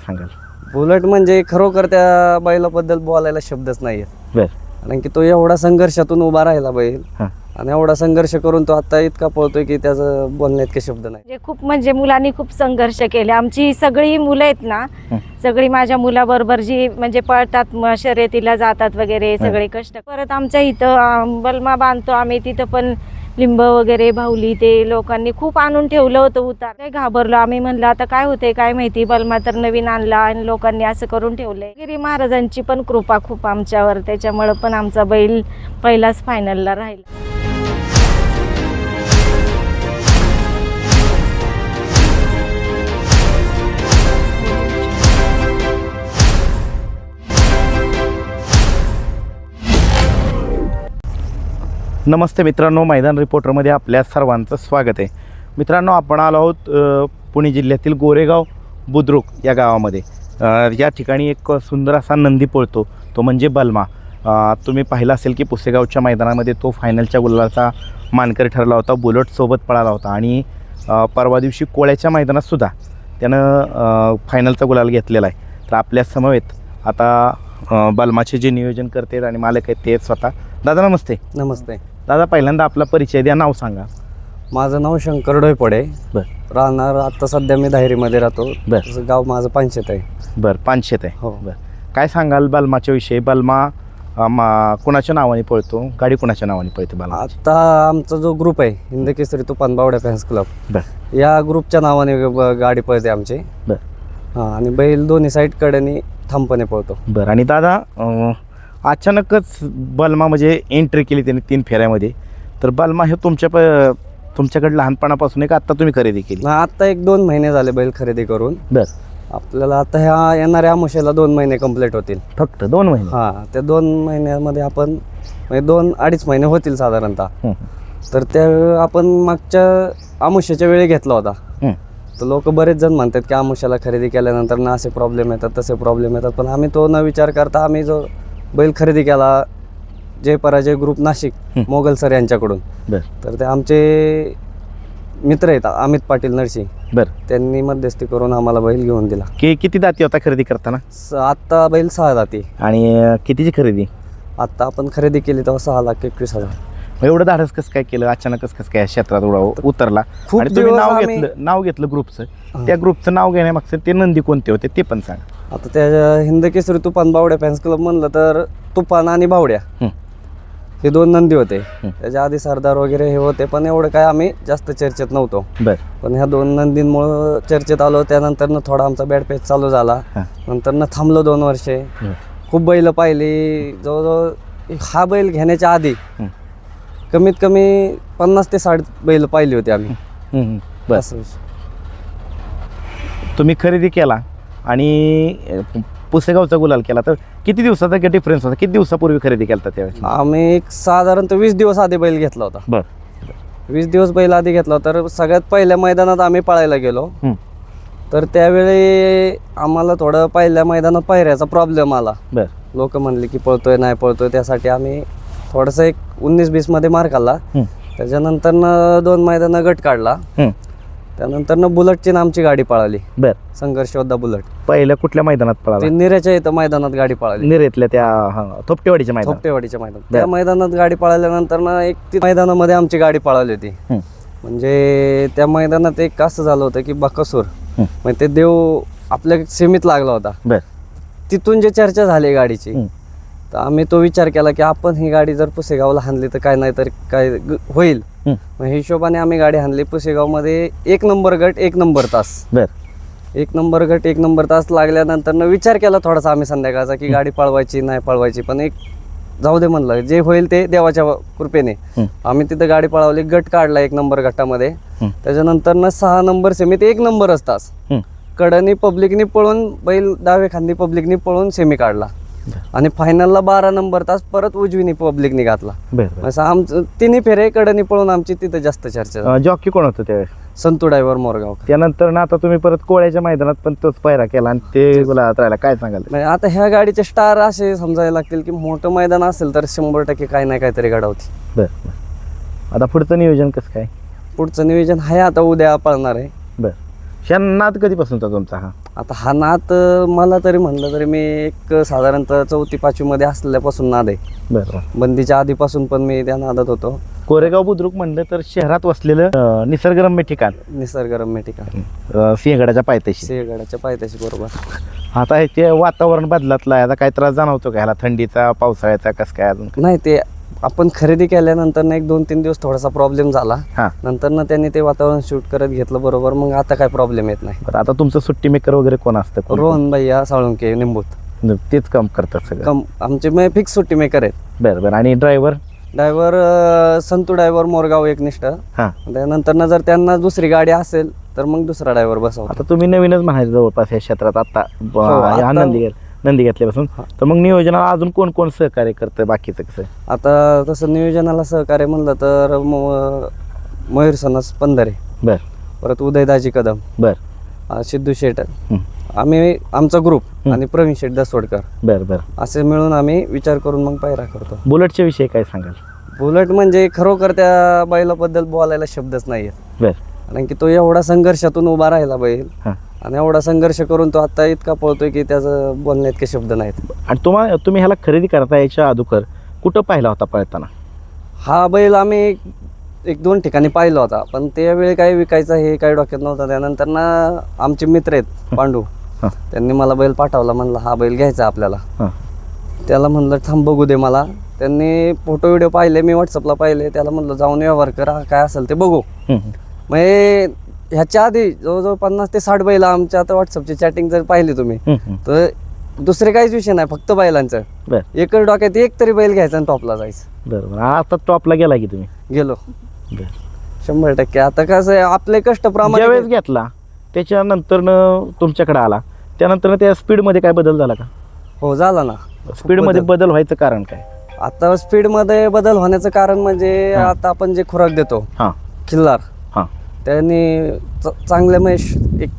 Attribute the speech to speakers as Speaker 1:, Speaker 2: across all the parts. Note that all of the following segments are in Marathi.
Speaker 1: सांगाल?
Speaker 2: बुलेट म्हणजे खरोखर त्या बैलाबद्दल बोलायला शब्दच नाही आहेत.
Speaker 1: बर.
Speaker 2: कारण की तो एवढा संघर्षातून उभा राहिला बैल
Speaker 1: हां.
Speaker 2: आणि एवढा संघर्ष करून तो आता इतका पळतोय की त्याचं बोलण्यात काही शब्द नाही.
Speaker 3: म्हणजे खूप म्हणजे मुलांनी खूप संघर्ष केले. आमची सगळी मुलं आहेत ना, सगळी माझ्या मुलाबरोबर जी म्हणजे पळतात, शर्यतीला जातात वगैरे, सगळे कष्ट परत आमच्या इथं बलमा बांधतो आम्ही, तिथं पण लिंब वगैरे भावली ते लोकांनी खूप आणून ठेवलं होतं उतार. काय घाबरलो आम्ही, म्हणलं आता काय होते काय माहिती, बलमा तर नवीन आणला आणि लोकांनी असं करून ठेवलंय. गिरी महाराजांची पण कृपा खूप आमच्यावर, त्याच्यामुळं पण आमचा बैल पहिलाच फायनलला राहिला.
Speaker 1: नमस्ते मित्रांनो, मैदान रिपोर्टरमध्ये आपल्या सर्वांचं स्वागत आहे. मित्रांनो, आपण आलो आहोत पुणे जिल्ह्यातील गोरेगाव बुद्रुक या गावामध्ये. या ठिकाणी एक सुंदर असा नंदी पळतो, तो म्हणजे बलमा. तुम्ही पाहिलं असेल की पुसेगावच्या मैदानामध्ये तो फायनलच्या गुलालाचा मानकरी ठरला होता, बुलेटसोबत पळाला होता आणि परवा दिवशी कोळ्याच्या मैदानातसुद्धा त्यानं फायनलचा गुलाल घेतलेला आहे. तर आपल्या समवेत आता बलमाचे जे नियोजन करते आणि मालक आहेत ते स्वतः. दादा नमस्ते.
Speaker 2: नमस्ते
Speaker 1: दादा, पहिल्यांदा आपला परिचय द्या, नाव सांगा.
Speaker 2: माझं नाव शंकर डोयपडे. राहणार आता सध्या मी धायरीमध्ये राहतो. गाव माझं पानशेत आहे.
Speaker 1: बरं, पानशेत आहे.
Speaker 2: हो.
Speaker 1: काय सांगाल बलमाच्या विषयी? बलमा कुणाच्या नावाने पळतो, गाडी कुणाच्या नावाने पळते बलमा?
Speaker 2: आता आमचा जो ग्रुप आहे हिंद केसरी तुफान बावड्या फॅन्स क्लब, या ग्रुपच्या नावाने गाडी पळते आमची. हां, आणि बैल दोन्ही साईड कडेने ठामपणे पळतो.
Speaker 1: बरं. आणि दादा, अचानकच बलमा म्हणजे एंट्री केली त्याने 3 फेऱ्यामध्ये, तर बलमा हे तुमच्याकडे लहानपणापासून आहे का आत्ता तुम्ही खरेदी केली?
Speaker 2: आत्ता 1-2 महिने झाले बैल खरेदी करून. आपल्याला आता ह्या येणाऱ्या आमुष्याला 2 महिने कंप्लीट होतील.
Speaker 1: फक्त 2 महिने?
Speaker 2: हां, त्या 2 महिन्यामध्ये आपण म्हणजे 2-2.5 महिने होतील साधारणतः. तर त्या आपण मागच्या आमुष्याच्या वेळी घेतला होता. तर लोक बरेच जण म्हणतात की आमुष्याला खरेदी केल्यानंतर ना असे प्रॉब्लेम येतात, तसे प्रॉब्लेम येतात, पण आम्ही तो न विचार करता आम्ही जो बैल खरेदी केला जय पराजय ग्रुप नाशिक मोगल सर यांच्याकडून. तर ते आमचे मित्र आहेत अमित पाटील नरसी. त्यांनी मध्यस्थी करून आम्हाला बैल घेऊन दिला.
Speaker 1: किती दाती होता खरेदी करताना?
Speaker 2: आत्ता बैल 6 दाती.
Speaker 1: आणि कितीची खरेदी?
Speaker 2: आत्ता आपण खरेदी केली तेव्हा 6,21,000.
Speaker 1: एवढं धाडस कसं काय केलं? अचानकच कसं काय क्षेत्रात उतरला?
Speaker 2: खूप
Speaker 1: आणि तुम्ही नाव घेतलं ग्रुपचं, त्या ग्रुपचं नाव घेण्यामागचं ते नंदी कोणते होते ते पण सांगा.
Speaker 2: आता त्या हिंद केसरी तुफान बावड्या फॅन्स क्लब म्हणलं तर तुफान आणि बावड्या हे 2 नंदी होते. त्याच्या आधी सरदार वगैरे हे होते, पण एवढं काय आम्ही जास्त चर्चेत नव्हतो. पण ह्या 2 नंदींमुळं चर्चेत आलो. त्यानंतर थोडा आमचा बॅड पेच चालू झाला. नंतर थांबलो 2 वर्षे. खूप बैल पाहिली. जवळजवळ हा बैल घेण्याच्या आधी कमीत कमी 50 ते 60 बैल पाहिली होती आम्ही.
Speaker 1: बस. तुम्ही खरेदी केला आणि पुसेगावचा गुलाल केला, तर किती दिवसाचा डिफरन्स होता? किती दिवसापूर्वी खरेदी केला त्यावेळेस?
Speaker 2: आम्ही साधारणतः 20 दिवस आधी बैल घेतला होता. 20 दिवस बैल आधी घेतला होता. तर सगळ्यात पहिल्या मैदानात आम्ही पळायला गेलो. तर त्यावेळी आम्हाला थोडं पहिल्या मैदानात पायऱ्याचा प्रॉब्लेम आला. लोक म्हणले की पळतोय नाही पळतोय, त्यासाठी आम्ही थोडंसं एक 19-20 मध्ये मार खाल्ला. त्याच्यानंतर 2 मैदानं गट काढला. त्यानंतर बुलेटची आमची गाडी पळाली. संघर्ष योद्धा बुलेट.
Speaker 1: पहिल्या कुठल्या मैदानात पळाला?
Speaker 2: निऱ्याच्या इथं मैदानात गाडी पळाली.
Speaker 1: निरेतल्या त्या थोपटेवाडीच्या
Speaker 2: मैदानात. त्या मैदानात गाडी पळाल्यानंतर एक मैदानामध्ये आमची गाडी पळाली होती. म्हणजे त्या मैदानात एक असं झालं होतं की बकासूर म्हणजे ते देव आपल्या सीमित लागला होता. तिथून जे चर्चा झाली गाडीची, तर आम्ही तो विचार केला की आपण ही गाडी जर पुसेगावला हाणली तर काय नाही तर काय होईल. मग हिशोबाने आम्ही गाडी हाणली. पुसेगावमध्ये 1 नंबर गट 1 नंबर तास. 1 नंबर गट 1 नंबर तास लागल्यानंतर विचार केला थोडासा आम्ही संध्याकाळचा की गाडी पळवायची नाही पळवायची, पण एक जाऊ दे म्हणलं, जे होईल ते देवाच्या कृपेने. आम्ही तिथं गाडी पळवली. गट काढला 1 नंबर गटामध्ये. त्याच्यानंतर 6 नंबर सेमीत 1 नंबरच तास. कडनी पब्लिकनी पळून बैल डावे खांदी पब्लिकनी पळून सेमी काढला. आणि फायनलला 12 नंबर तास परत उजवीनी पब्लिकनी घातला. असं आमचं 3 फेरे कडनी पळून आमची तिथं जास्त चर्चा.
Speaker 1: जॉकी कोण होतं त्यावेळेस?
Speaker 2: संतू ड्रायव्हर मोरगाव.
Speaker 1: त्यानंतर ना आता तुम्ही परत कोळ्याच्या मैदानात पण तोच पायरा केला आणि ते गुलाबात राहिला. काय सांगाल?
Speaker 2: आता ह्या गाडीचे स्टार असे समजायला लागतील की मोठं मैदान असेल तर 100% काही नाही काहीतरी घडवते.
Speaker 1: आता पुढचं नियोजन कसं काय?
Speaker 2: पुढचं नियोजन आहे आता उद्या पळणार आहे.
Speaker 1: ह्या नाद कधीपासूनचा तुमचा हा?
Speaker 2: आता हा नाद मला तरी म्हणलं तरी मी एक साधारणतः 4वी-5वी मध्ये असल्यापासून नाद आहे.
Speaker 1: बरं.
Speaker 2: बंदीच्या आधीपासून पण मी त्या नादात होतो.
Speaker 1: कोरेगाव बुद्रुक म्हणलं तर शहरात वसलेलं निसर्गरम्य ठिकाण,
Speaker 2: निसर्गरम्य ठिकाण,
Speaker 1: सिंहगडाच्या पायथ्याशी.
Speaker 2: सिंहगडाच्या पायथ्याशी, बरोबर.
Speaker 1: आता ते वातावरण बदलातलं आहे, आता काय त्रास जाणवतो का ह्याला, थंडीचा, पावसाळ्याचा, कसं काय अजून?
Speaker 2: नाही, ते आपण खरेदी केल्यानंतर ना 1-2-3 दिवस थोडासा प्रॉब्लेम झाला.
Speaker 1: हां.
Speaker 2: नंतर ना त्यांनी ते वातावरण शूट करत घेतलं बरोबर, मग आता काय प्रॉब्लेम येत नाही.
Speaker 1: बरं, आता तुमचं सुट्टी मेकर वगैरे कोण असतं?
Speaker 2: रोहन भैया साळुंके निंबूत,
Speaker 1: तेच काम करतात सगळं?
Speaker 2: आमचे फिक्स सुट्टी मेकर आहेत.
Speaker 1: बरं बरं. आणि ड्रायव्हर
Speaker 2: संतू ड्रायव्हर मोरगाव एकनिष्ठ.
Speaker 1: हां.
Speaker 2: त्यानंतर ना जर त्यांना दुसरी गाडी असेल तर मग दुसरा ड्रायव्हर बसवतो.
Speaker 1: आता तुम्ही नवीनच म्हणायचं जवळपास या क्षेत्रात आता
Speaker 2: आता-
Speaker 1: नंदी घेतल्यापासून, तर मग नियोजनाला अजून कोण कोण सहकार्य करतं बाकीचं कसं?
Speaker 2: आता तसं नियोजनाला सहकार्य म्हणलं तर मयूर सनस पंधरे,
Speaker 1: बर
Speaker 2: परत उदयदाजी कदम,
Speaker 1: बर
Speaker 2: सिद्धू शेट,
Speaker 1: हं.
Speaker 2: आम्ही आमचा ग्रुप
Speaker 1: हं.
Speaker 2: आणि प्रवीण शेट दसवडकर
Speaker 1: बर बर.
Speaker 2: असे मिळून आम्ही विचार करून मग पायरा करतो.
Speaker 1: बुलेटच्या विषयी काय सांगाल?
Speaker 2: बुलेट म्हणजे खरोखर त्या बैलाबद्दल बोलायला शब्दच नाही आहेत.
Speaker 1: बर.
Speaker 2: कारण की तो एवढा संघर्षातून उभा राहिला बैल,
Speaker 1: हां.
Speaker 2: आणि एवढा संघर्ष करून तो आता इतका पळतोय की त्याचं बोलण्यात काही शब्द नाहीत.
Speaker 1: आणि तुम्ही ह्याला खरेदी करता याच्या अगोदर कुठं पाहिला होता पळताना?
Speaker 2: हा बैल आम्ही 1-2 ठिकाणी पाहिला होता, पण त्यावेळी काही विकायचं हे काही डोक्यात नव्हतं. त्यानंतर ना आमचे मित्र आहेत पांडू,
Speaker 1: हां.
Speaker 2: त्यांनी मला बैल पाठवला, म्हणलं हा बैल घ्यायचा आपल्याला.
Speaker 1: हां.
Speaker 2: त्याला म्हणलं थांब बघू दे मला. त्यांनी फोटो व्हिडिओ पाहिले, मी व्हॉट्सअपला पाहिले. त्याला म्हणलं जाऊन व्यवहार करा, काय असेल ते बघू.
Speaker 1: हं.
Speaker 2: मग ह्याच्या आधी जवळजवळ 50 ते 60 बैल आमच्या आता व्हॉट्सअपची चॅटिंग जर पाहिली तुम्ही,
Speaker 1: हं.
Speaker 2: तर दुसरे काहीच विषय नाही, फक्त बैलांचं.
Speaker 1: बर
Speaker 2: एकच डोक्यात एक तरी बैल घ्यायचा आणि टॉपला जायचं.
Speaker 1: बरोबर. आता टॉपला गेला की तुम्ही?
Speaker 2: गेलो
Speaker 1: बर.
Speaker 2: 100%. आता कसं आहे, आपले कष्ट
Speaker 1: ज्यावेळेस
Speaker 2: प्रमाणे.
Speaker 1: घेतला त्याच्यानंतर तुमच्याकडे आला, त्यानंतर त्या स्पीडमध्ये काय बदल झाला का?
Speaker 2: हो, झाला ना.
Speaker 1: स्पीडमध्ये बदल व्हायचं कारण काय?
Speaker 2: आता स्पीडमध्ये बदल होण्याचं कारण म्हणजे आता आपण जे खुराक देतो
Speaker 1: हां
Speaker 2: खिल्लार,
Speaker 1: हां.
Speaker 2: त्यांनी चांगले म्हणजे एक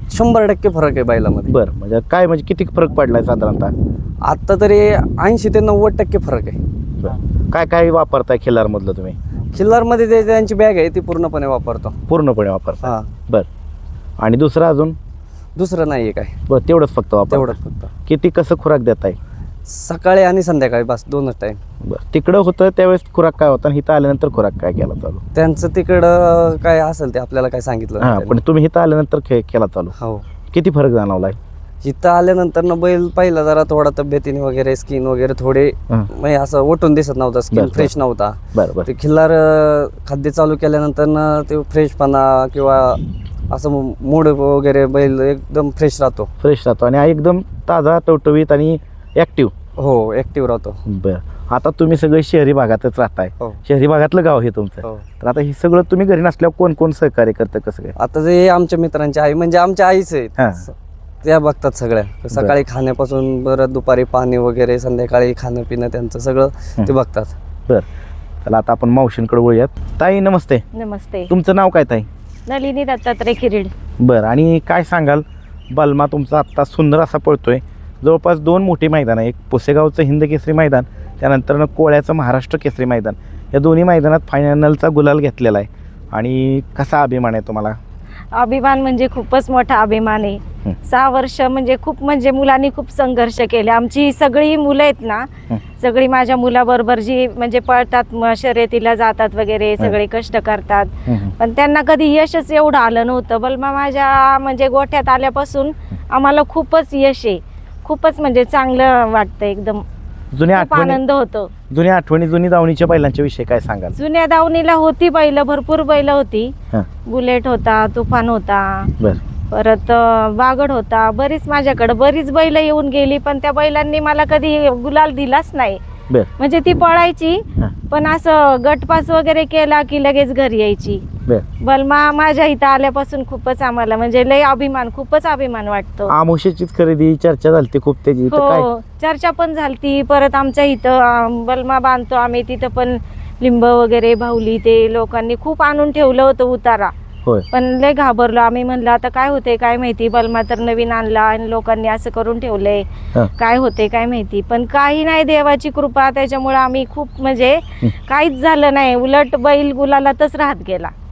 Speaker 2: 100% फरक आहे बैलामध्ये.
Speaker 1: बरं, म्हणजे काय, म्हणजे किती फरक पडलाय साधारणतः?
Speaker 2: आता तरी 80 ते 90% फरक आहे.
Speaker 1: बरं. काय काय वापरताय खिल्लारमधलं तुम्ही?
Speaker 2: खिल्लारमध्ये ते त्यांची बॅग आहे ती पूर्णपणे वापरतो.
Speaker 1: पूर्णपणे वापरता?
Speaker 2: हां.
Speaker 1: बरं. आणि दुसरं अजून?
Speaker 2: दुसरं नाही आहे काय,
Speaker 1: बरं, तेवढंच फक्त वापर?
Speaker 2: तेवढंच फक्त.
Speaker 1: किती कसं खुराक देताय?
Speaker 2: सकाळी आणि संध्याकाळी, बस 2च टाईम.
Speaker 1: बरं. तिकडं होतं त्यावेळेस खुराक काय होता आणि इथं आल्यानंतर खुराक काय केला चालू?
Speaker 2: त्यांचं तिकडं काय असेल ते आपल्याला काय सांगितलं
Speaker 1: हां,
Speaker 2: नाही
Speaker 1: पण तुम्ही इथं आल्यानंतर केला चालू?
Speaker 2: त्यांनी. हो.
Speaker 1: किती फरक जाणवलाय?
Speaker 2: इथं आल्यानंतर ना बैल पहिला जरा थोडा तब्येतीने वगैरे स्किन वगैरे थोडे
Speaker 1: हां.
Speaker 2: म्हणजे असं ओटून दिसत नव्हता, स्किन
Speaker 1: बरं,
Speaker 2: फ्रेश नव्हता.
Speaker 1: बरं बरं.
Speaker 2: ते खिल्लार खाद्य चालू केल्यानंतर ना ते फ्रेशपणा किंवा असं मूड वगैरे बैल एकदम फ्रेश राहतो.
Speaker 1: फ्रेश राहतो आणि एकदम ताजा, टवटवीत आणि ॲक्टिव्ह.
Speaker 2: हो, ॲक्टिव्ह राहतो.
Speaker 1: बरं. आता तुम्ही सगळे शहरी भागातच राहताय,
Speaker 2: हो.
Speaker 1: शहरी भागातलं गाव हे तुमचं.
Speaker 2: हो.
Speaker 1: तर आता हे सगळं तुम्ही घरी नसल्यावर कोण कोण सहकार्य करतं, कसं काय?
Speaker 2: आता जे आमच्या मित्रांची आई म्हणजे आमच्या आईच
Speaker 1: हां.
Speaker 2: आहेत, त्या बघतात सगळ्या. सकाळी खाण्यापासून बरं दुपारी पाणी वगैरे, संध्याकाळी खाणं पिणं त्यांचं सगळं ते बघतात.
Speaker 1: बरं. चला आता आपण मावशींकडे वळूयात. ताई नमस्ते.
Speaker 3: नमस्ते.
Speaker 1: तुमचं नाव काय ताई?
Speaker 3: नलिनी दत्तात्रय किरीड.
Speaker 1: बरं. आणि काय सांगाल, बलमा तुमचा आत्ता सुंदर असा पळतोय. जवळपास 2 मोठी मैदानं, एक पुसेगावचं हिंद केसरी मैदान, त्यानंतर कोळ्याचं महाराष्ट्र केसरी मैदान, या दोन्ही मैदानात फायनलचा गुलाल घेतलेला आहे. आणि कसा अभिमान आहे तुम्हाला?
Speaker 3: अभिमान म्हणजे खूपच मोठा अभिमान आहे. 6 वर्ष म्हणजे खूप, म्हणजे मुलांनी खूप संघर्ष केले. आमची सगळी मुलं आहेत ना, सगळी माझ्या मुलाबरोबर जी म्हणजे पळतात, शर्यतीला जातात वगैरे, सगळे कष्ट करतात, पण त्यांना कधी यशच एवढं आलं नव्हतं. बलमा माझ्या म्हणजे गोठ्यात आल्यापासून आम्हाला खूपच यश आहे, खूपच म्हणजे चांगलं वाटतं, एकदम
Speaker 1: जुन्या
Speaker 3: खूप
Speaker 1: आठवणी,
Speaker 3: आनंद होतो.
Speaker 1: जुनी दावणीच्या बैलांच्या विषयी काय सांगाल?
Speaker 3: जुन्या दावणीला होती बैल, भरपूर बैल होती.
Speaker 1: हां.
Speaker 3: बुलेट होता, तुफान होता,
Speaker 1: बरं.
Speaker 3: परत बागड होता, बरीच माझ्याकडे बरीच बैल येऊन गेली, पण त्या बैलांनी मला कधी गुलाल दिलाच नाही.
Speaker 1: बरं.
Speaker 3: म्हणजे ती पळायची,
Speaker 1: हां.
Speaker 3: पण असं गटपास वगैरे केला की लगेच घरी यायची.
Speaker 1: बरं.
Speaker 3: बलमा माझ्या इथं आल्यापासून खूपच आम्हाला म्हणजे लय अभिमान, खूपच अभिमान वाटतो.
Speaker 1: आमोशीचीच खरेदी चर्चा झाली खूप त्याची, तर काय?
Speaker 3: हो, चर्चा पण झालती. परत आमच्या इथं बलमा बांधतो आम्ही, तिथं पण लिंब वगैरे भावली, ते लोकांनी खूप आणून ठेवलं होतं उतारा.
Speaker 1: होय.
Speaker 3: पण लय घाबरलो आम्ही, म्हणलं आता काय होते काय माहिती, बलमा तर नवीन आणला आणि लोकांनी असं करून ठेवलंय,
Speaker 1: हां.
Speaker 3: काय होते काय माहिती. पण काही नाही, देवाची कृपा, त्याच्यामुळे आम्ही खूप म्हणजे काहीच झालं नाही, उलट बैल गुलालातच राहत गेला.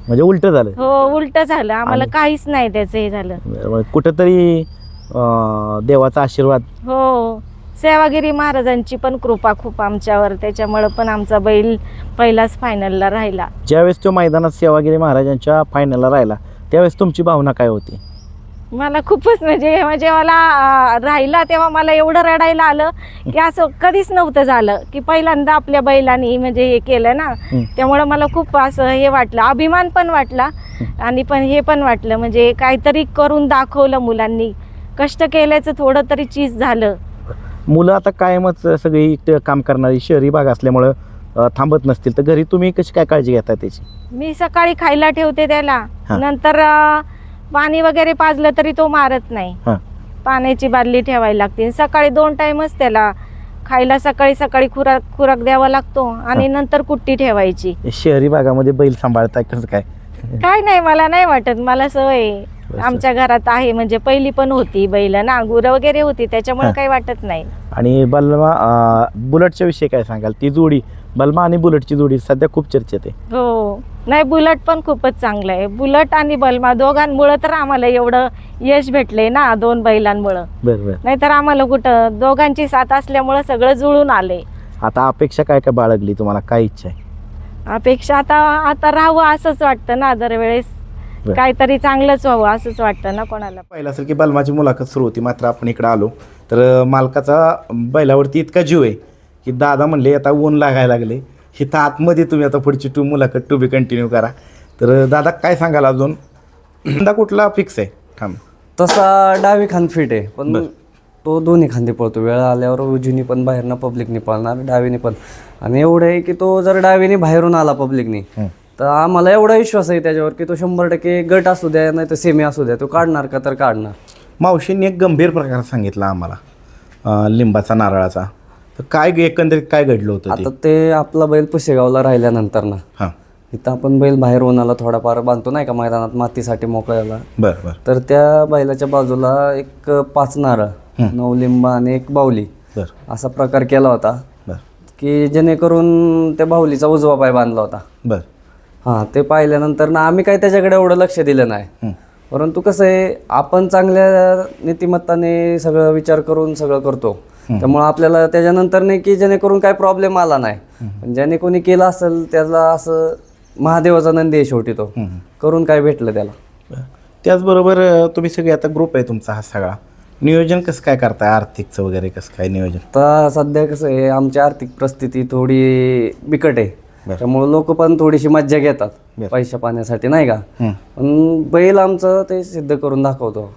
Speaker 1: म्हणजे उलट झालं.
Speaker 3: हो, उलट झालं आम्हाला, काहीच नाही त्याचं हे झालं.
Speaker 1: बरं, कुठंतरी देवाचा आशीर्वाद.
Speaker 3: हो, सेवागिरी महाराजांची पण कृपा खूप आमच्यावर, त्याच्यामुळं पण आमचा बैल पहिलाच फायनलला राहिला.
Speaker 1: ज्यावेळेस तो मैदानात सेवागिरी महाराजांच्या फायनलला राहिला त्यावेळेस तुमची भावना काय होती?
Speaker 3: मला खूपच म्हणजे मला राहिला तेव्हा मला एवढं रडायला आलं की असं कधीच नव्हतं झालं, की पहिल्यांदा आपल्या बैलांनी म्हणजे हे केलं ना, त्यामुळं मला खूप असं हे वाटलं, अभिमान पण वाटला आणि पण हे पण वाटलं म्हणजे काहीतरी करून दाखवलं मुलांनी, कष्ट केल्याचं थोडं तरी चीज झालं.
Speaker 1: मुलं आता कायमच सगळी काम करणारी शहरी भाग असल्यामुळं थांबत नसतील, तर घरी तुम्ही कशी काय काळजी घेता त्याची?
Speaker 3: मी सकाळी खायला ठेवते त्याला, नंतर पाणी वगैरे पाजलं तरी तो मारत नाही. पाण्याची बादली ठेवायला लागते, सकाळी 2 टाइमच त्याला खायला, सकाळी खुराक द्यावा लागतो आणि नंतर कुट्टी ठेवायची.
Speaker 1: शहरी भागामध्ये बैल सांभाळताय कसं काय?
Speaker 3: काय नाही, मला नाही वाटत, मला सवय आहे. आमच्या घरात आहे म्हणजे पहिली पण होती बैल ना, गुरं वगैरे होती, त्याच्यामुळे काही वाटत नाही.
Speaker 1: आणि बलमा बुलेटच्या विषयी काय सांगाल? ती जोडी बलमा आणि बुलेटची जोडी सध्या खूप चर्चेत आहे.
Speaker 3: हो, नाही बुलेट पण खूपच चांगलं आहे. बुलेट आणि बलमा दोघांमुळं तर आम्हाला एवढं यश भेटले ना, 2 बैलांमुळं.
Speaker 1: बरोबर,
Speaker 3: नाहीतर आम्हाला कुठं, दोघांची साथ असल्यामुळं सगळं जुळून आले.
Speaker 1: आता अपेक्षा काय काय बाळगली तुम्हाला? काय इच्छा आहे?
Speaker 3: अपेक्षा आता राहावं असंच वाटतं ना, दरवेळेस काहीतरी चांगलंच व्हावं असंच वाटतं ना कोणाला.
Speaker 1: पाहिलं असेल की बलमाची मुलाखत सुरू होती, मात्र आपण इकडे आलो तर मालकाचा बैलावरती इतका जीव आहे की दादा म्हणले आता ऊन लागायला लागले, हिथं आतमध्ये तुम्ही आता पुढची मुलाखत टू बी कंटिन्यू करा. तर दादा काय सांगाल अजून? यंदा कुठला फिक्स आहे? थांब,
Speaker 2: तसा डावी खांद फिट आहे, पण तो दोन्ही खांदे पळतो. वेळ आल्यावर उजवीनी पण बाहेरनं पब्लिकनी पळणार, डावीनी पण. आणि एवढं आहे की तो जर डावीनी बाहेरून आला पब्लिकनी तर आम्हाला एवढा विश्वास आहे त्याच्यावर की तो 100% गट असू द्या नाही तर सेमी असू द्या, तो काढणार का तर काढणार.
Speaker 1: मावशींनी एक गंभीर प्रकार सांगितला आम्हाला लिंबाचा नारळाचा, तर काय एकंदरीत काय घडलं होतं?
Speaker 2: आता ते आपला बैल पुशेगावला राहिल्यानंतर ना, इथं आपण बैल बाहेर उन्हाला थोडाफार बांधतो नाही का मैदानात मातीसाठी मोकळ्याला.
Speaker 1: बरं.
Speaker 2: तर त्या बैलाच्या बाजूला एक 5 नारळ, 9 लिंब आणि 1 बाहुली असा प्रकार केला होता की जेणेकरून त्या बाहुलीचा उजवा पाय बांधला होता.
Speaker 1: बरं.
Speaker 2: हां, ते पाहिल्यानंतर ना आम्ही काही त्याच्याकडे एवढं लक्ष दिलं नाही, परंतु कसं आहे आपण चांगल्या नीतिमत्ताने सगळं विचार करून सगळं करतो, त्यामुळं आपल्याला त्याच्यानंतर नाही की जेणेकरून काय प्रॉब्लेम आला नाही. पण ज्याने कोणी केलं असेल त्याला असं महादेवाचा नंदी आहे शेवटी, तो करून काय भेटलं त्याला.
Speaker 1: त्याचबरोबर तुम्ही सगळे आता ग्रुप आहे तुमचा हा सगळा, नियोजन कसं काय करताय? आर्थिकचं वगैरे कसं काय नियोजन?
Speaker 2: तर सध्या कसं आहे आमची आर्थिक परिस्थिती थोडी बिकट आहे, त्यामुळे लोक पण थोडीशी मज्जा घेतात पैशा पाण्यासाठी नाही का, पण बैल आमचं ते सिद्ध करून दाखवतो.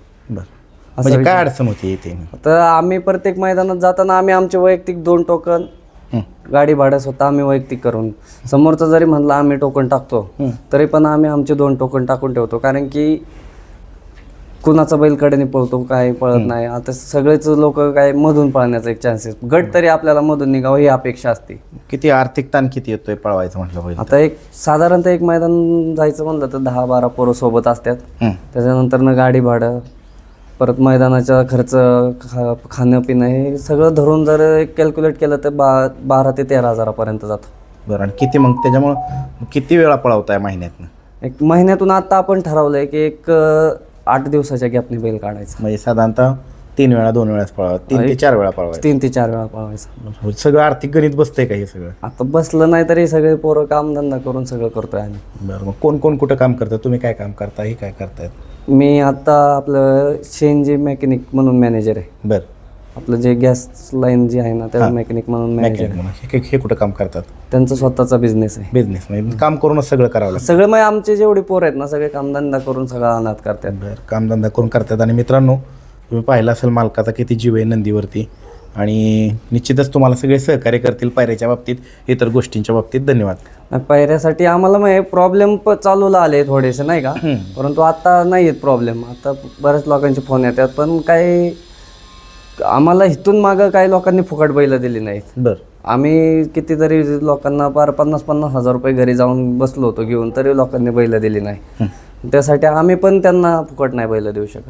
Speaker 1: म्हणजे काय अडचण होती इथे?
Speaker 2: तर आम्ही प्रत्येक मैदानात जाताना आम्ही आमचे वैयक्तिक 2 टोकन गाडी भाडं स्वतः आम्ही वैयक्तिक करून, समोरचा जरी म्हणला आम्ही टोकन टाकतो तरी पण आम्ही आमचे 2 टोकन टाकून ठेवतो, कारण की कुणाचा बैल कडेने पळतो काय पळत नाही. आता सगळेच लोक काय मधून पळण्याचा एक चान्सेस, गट तरी आपल्याला मधून निघावं ही अपेक्षा असते.
Speaker 1: किती आर्थिक ताण किती येतोय पळवायचं म्हटलं पाहिजे?
Speaker 2: आता एक साधारणतः एक मैदान जायचं म्हणलं तर 10-12 पोरं सोबत असतात, त्याच्यानंतर न गाडी भाडं, परत मैदानाचा खर्च, खाणं पिणं हे सगळं धरून जर कॅल्क्युलेट केलं तर 12 ते 13 हजारापर्यंत जातो.
Speaker 1: बरं. आणि किती मग त्याच्यामुळं किती वेळा पळवताय महिन्यातनं?
Speaker 2: एक महिन्यातून आता आपण ठरवलंय की एक 8 दिवसाच्या गॅपने बैल काढायचा,
Speaker 1: म्हणजे साधारणतः 3 वेळा 2 वेळाच पळवा, 3 ते 4 वेळा पळवायचं.
Speaker 2: 3 ते 4 वेळा पळवायचा.
Speaker 1: सगळं आर्थिक गणित बसतंय का हे सगळं?
Speaker 2: आता बसलं नाही तरी सगळे पोरं कामधंदा करून सगळं करतोय आम्ही.
Speaker 1: बरं. मग कोण कोण कुठं काम करतं? तुम्ही काय काम करता? हे काय करतायत?
Speaker 2: मी आता आपलं शेनजी मेकॅनिक म्हणून मॅनेजर आहे.
Speaker 1: बरं.
Speaker 2: आपलं जे गॅस लाईन जी आहे ना त्या मेकॅनिक म्हणून मॅनेजर.
Speaker 1: हे कुठं काम करतात?
Speaker 2: त्यांचा स्वतःचा बिझनेस आहे.
Speaker 1: बिझनेस म्हणजे काम करूनच सगळं करावं लागतं?
Speaker 2: सगळं मग आमचे जेवढे पोर आहेत ना सगळे कामधंदा करून सगळं अनाथ करतात.
Speaker 1: बरं. कामधंदा करून करतात. आणि मित्रांनो तुम्ही पाहिलं असेल मालकाचा किती जीव आहे नंदीवरती, आणि निश्चितच तुम्हाला सगळे सहकार्य करतील पायऱ्याच्या बाबतीत, इतर गोष्टींच्या बाबतीत. धन्यवाद.
Speaker 2: पायऱ्यासाठी आम्हाला मग प्रॉब्लेम चालूला आले थोडेसे नाही का, परंतु आता नाही आहेत प्रॉब्लेम. आता बऱ्याच लोकांचे फोन येतात, पण काही आम्हाला इथून मागं काही लोकांनी फुकट बैल दिली नाहीत.
Speaker 1: बरं.
Speaker 2: आम्ही कितीतरी लोकांना 50-50 हजार रुपये घरी जाऊन बसलो होतो घेऊन, तरी लोकांनी बैल दिली नाही. त्यासाठी आम्ही पण त्यांना फुकट नाही बैल देऊ शकत.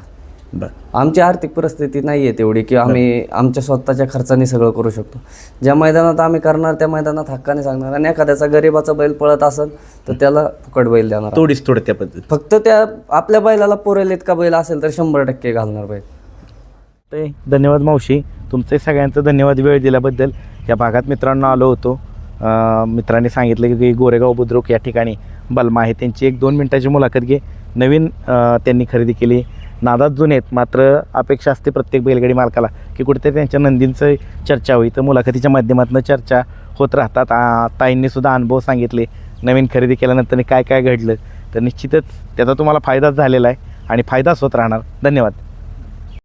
Speaker 1: बरं.
Speaker 2: आमची आर्थिक परिस्थिती नाही आहे तेवढी की आम्ही आमच्या स्वतःच्या खर्चाने सगळं करू शकतो. ज्या मैदानात आम्ही करणार त्या मैदानात हक्काने सांगणार, आणि एखाद्याचा गरीबाचा बैल पळत असेल तर त्याला फुकट बैल देणार.
Speaker 1: थोडीच थोडं त्या पद्धती.
Speaker 2: फक्त त्या आपल्या बैलाला पुरेल इतका बैल असेल तर 100% घालणार बैल.
Speaker 1: ते धन्यवाद मावशी, तुमचे सगळ्यांचं धन्यवाद वेळ दिल्याबद्दल. या भागात मित्रांनो आलो होतो. मित्रांनी सांगितलं की गोरेगाव बुद्रुक या ठिकाणी बलमा आहे, त्यांची 1-2 मिनिटाची मुलाखत घे. नवीन त्यांनी खरेदी केली, नादात जुने आहेत, मात्र अपेक्षा असते प्रत्येक बैलगाडी मालकाला की कुठेतरी त्यांच्या नंदींचं चर्चा होईल. तर मुलाखतीच्या माध्यमातून चर्चा होत राहतात. ताईंनीसुद्धा अनुभव सांगितले नवीन खरेदी केल्यानंतर काय काय घडलं, तर निश्चितच त्याचा तुम्हाला फायदाच झालेला आहे आणि फायदाच होत राहणार. धन्यवाद.